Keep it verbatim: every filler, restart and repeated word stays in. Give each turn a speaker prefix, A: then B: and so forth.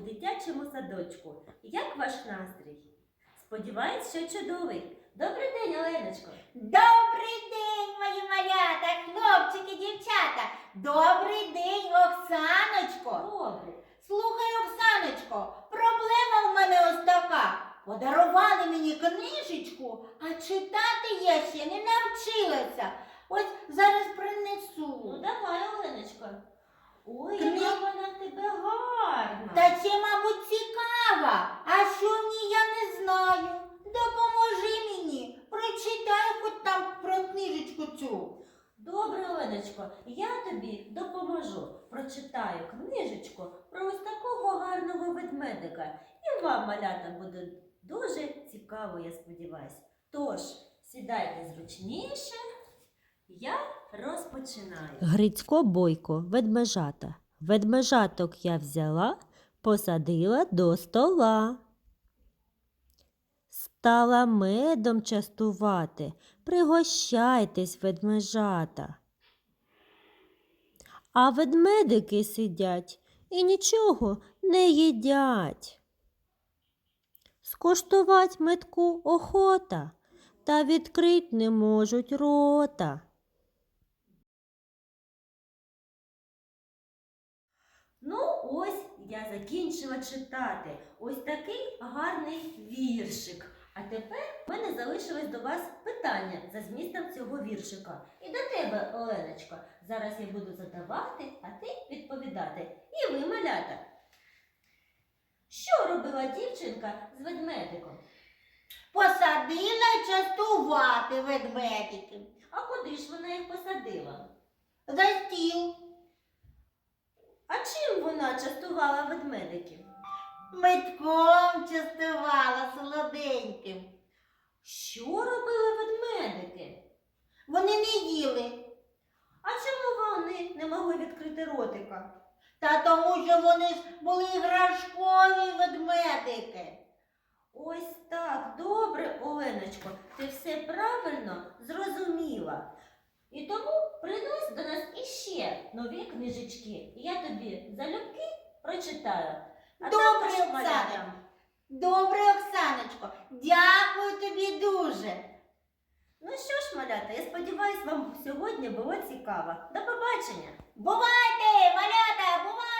A: дитячому садочку. Як ваш настрій? Сподіваюсь, що чудовий. Добрий день, Оленочко.
B: Добрий день, мої малята, хлопчики, дівчата. Добрий день, Оксаночко.
A: Добре.
B: Слухай, Оксаночко, проблема в мене ось така. Подарували мені книжечку, а читати я ще не навчилася. Ось зараз
A: Ну,
B: принесу.
A: давай, Оленочко. Ой,
B: Кни-
A: яка вона в тебе гарна.
B: Та це, мабуть, цікава. А що в ній, я не знаю. Допоможи мені. Прочитай хоч там про книжечку цю.
A: Добре, Оленочко, я тобі допоможу. Прочитаю книжечку про ось такого гарного ведмедика. І вам, малята, буде дуже цікаво, я сподіваюся. Тож, сідайте зручніше, я розпочинаю.
C: Грицько Бойко, ведмежата. Ведмежаток я взяла, посадила до стола. Стала медом частувати, пригощайтесь, ведмежата. А ведмедики сидять і нічого не їдять. Скуштувать медку охота, та відкрить не можуть рота.
A: Ну, ось я закінчила читати. Ось такий гарний віршик. А тепер в мене залишилось до вас питання за змістом цього віршика. І до тебе, Оленочко. Зараз я буду задавати, а ти відповідати. І ви, малята. Що робила дівчинка з ведмедиком?
B: Посадила частувати ведмедиків.
A: А куди ж вона їх посадила?
B: За стіл.
A: А чим вона частувала ведмедиків?
B: Медком частувала солоденьким.
A: Що робили ведмедики?
B: Вони не їли.
A: А чому вони не могли відкрити ротика?
B: Та тому, що вони ж були іграшкові ведмедики.
A: Ось так, добре, Оленочко, ти все правильно зрозуміла. І тому принось до нас іще нові книжечки. І я тобі залюбки прочитаю. А
B: Добре,
A: також
B: Оксана.
A: малятам.
B: Добре, Оксаночко. Дякую тобі дуже.
A: Ну що ж, малята, я сподіваюся, вам сьогодні було цікаво. До побачення!
B: Бувайте, малята, бувайте!